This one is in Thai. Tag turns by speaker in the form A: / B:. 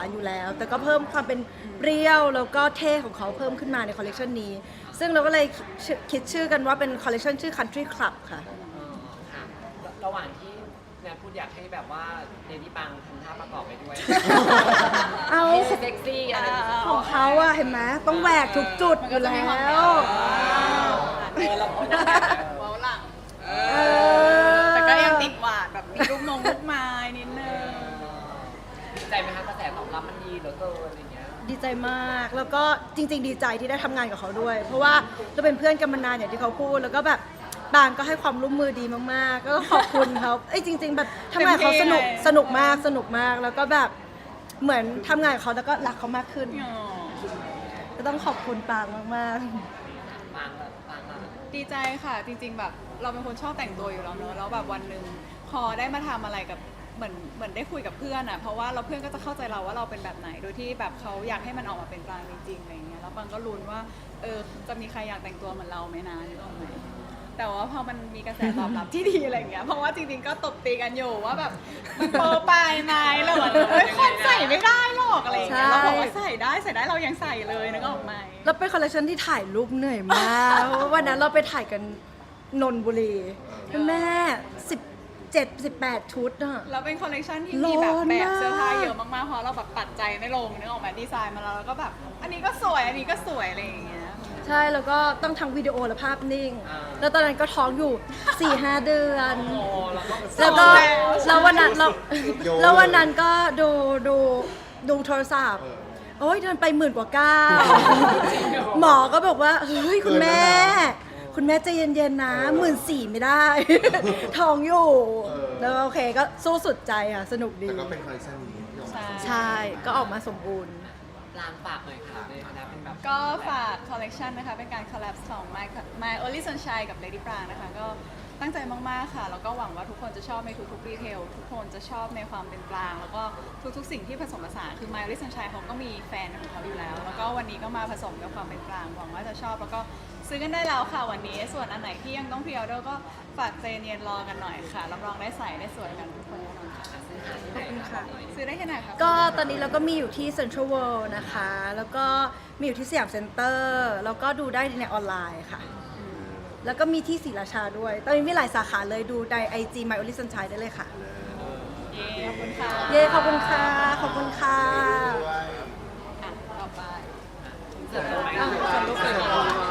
A: อยู่แล้ว แต่ก็เพิ่มความเป็นเปรี้ยวแล้วก็เท่ของเขาเพิ่มขึ้นมาในคอลเลคชันนี้ซึ่งเราก็เลยคิดชื่อกันว่าเป็นคอลเลคชันชื่อ Country Club ค่ะ
B: ค่ะระหว่างที่แนนพูดอยากให้แบบว่าเดนี่ปังทำท่าประกอบไปด้วย
A: เอา
B: เซ็กซี่อะไรอย่างเงี้ย
A: ของเขาอะเห็นไหมต้องแหวกทุกจุดอยู่แล้ว
B: เราพูดได้
C: ว้าวหลัง
A: เออ
C: แต่ก็ยังติดหวาดแบบมีลูกไม้นิดนึง
B: ดีใจไหมคะกระแสตอบรับมันดีเหลือเกินอะไรอย่างเงี้ย
A: ดีใจมากแล้วก็จริง ๆ ดีใจที่ได้ทำงานกับเขาด้วย เพราะว่าเราเป็นเพื่อนกันมานานอย่างที่เขาพูดแล้วก็แบบบางก็ให้ความร่วมมือดีมากๆ ก็ขอบคุณเขาจริง ๆ แบบทำงานกับเขาสนุกมากแล้วก็แบบเหมือนทำงานกับเขาแล้วก็รักเขามากขึ้น ก็ต้องขอบคุณปางมากๆ
B: ปังแบบปังอะ
C: ดีใจค่ะจริง ๆ แบบเราเป็นคนชอบแต่งตัวอยู่แล้วเนอะแล้วแบบวันหนึ่งพอได้มาทำอะไรกับเหมือนได้คุยกับเพื่อนอ่ะเพราะว่าเราเพื่อนก็จะเข้าใจเราว่าเราเป็นแบบไหนโดยที่แบบเขาอยากให้มันออกมาเป็นกลางจริงๆอะไรเงี้ยแล้วปังก็ลุ้นว่าจะมีใครอยากแต่งตัวเหมือนเราไหมนะนึกออกไหมแต่ว่าพอมันมีกระแสตอบรับที่ดีอะไรเงี้ยเพราะว่าจริงๆก็ตบตีกันอยู่ว่าแบบมันโปรไปไหมแล้วแบบคนใส่ไม่ได้หรอกอะไรเงี้ยเราบอกว่าใส่ได้เรายังใส่เลยนึกออกไหม
A: แล้วเป็นคอลเลคชันที่ถ่ายรูปเหนื่อยมากเพราะว่าวันนั้นเราไปถ่ายกันนนทบุรีแม่17-18 ชุดอะ
C: แล้วเป็นคอลเลคชันที่มีแบบ
A: ร้อนมาก
C: เสื้อผ้าเยอะมากๆเพราะเราแบบตัดใจไม่ลงนึกออกไหมดีไซน์มาแล้วแล้วก็แบบอันนี้ก็สวยอันนี้ก็สวยอะไรอย่างเงี้ย
A: ใช่แล้วก็ต้องทั้งวิดีโอและภาพนิ่ง แล้วตอนนั้นก็ท้องอยู่ 4-5 เดือน
B: โอ้เราก็
A: แล้วก็แล้ววันนั้นแล้ววันนั้นก็ดูโทรศัพท์โอ้ยเดินไป10,000 กว่าก้าวหมอก็บอกว่าเฮ้ยคุณแม่ใจเย็นๆนะ14,000ไม่ได้ ท้องอยู่แล้วโอเคก็สู้สุดใจค่ะสนุกดี
D: แต่ก็เป็นคอลเลคชันนี้ที่ออกมา
A: ใช่ก็ออกมาสมบูรณ์
B: ลางฝากหน่อยค่ะในฐานะเป็นแบบ
C: ก็ฝากคอลเลคชันนะคะเป็นการคอลแลบของ My Only Sunshine กับ Lady Prang นะคะก็ตั้งใจมากๆค่ะแล้วก็หวังว่าทุกคนจะชอบในทุกๆดีเทลทุกคนจะชอบในความเป็นกลางแล้วก็ทุกๆสิ่งที่ผสมผสานคือ My Only Sunshine เขาก็มีแฟนของเขาอยู่แล้วแล้วก็วันนี้ก็มาผสมกับความเป็นกลางหวังว่าจะชอบแล้วก็ซื้อกันได้แล้วค่ะวันนี้ส่วนอันไหนที่ยังต้องพรีออเดอร์ก็ฝากใจเย็นรอกันหน่อยค่ะรับรองได้ใส่ได้สวยกันทุกคนแน่นอนค่ะ
A: ขอบคุณค่ะ
C: ซื้อได้ที่ไหนคะ
A: ก็ตอนนี้เราก็มีอยู่ที่ Central World นะคะ แล้วก็มีอยู่ที่สยามเซ็นเตอร์แล้วก็ดูได้ในออนไลน์ค่ะ แล้วก็มีที่ศรีราชาด้วย ตอนนี้มีหลายสาขาเลยดูใน IG My Only Sunshine ได้เลยค่ะ
C: เย้ขอบคุณค่ะ
A: เย้ขอบคุณค่ะ ขอบคุณค่ะ
C: อ่ะต่อไป
B: เสร็จแล้วไหม
A: อ่ะขอบคุณค่ะ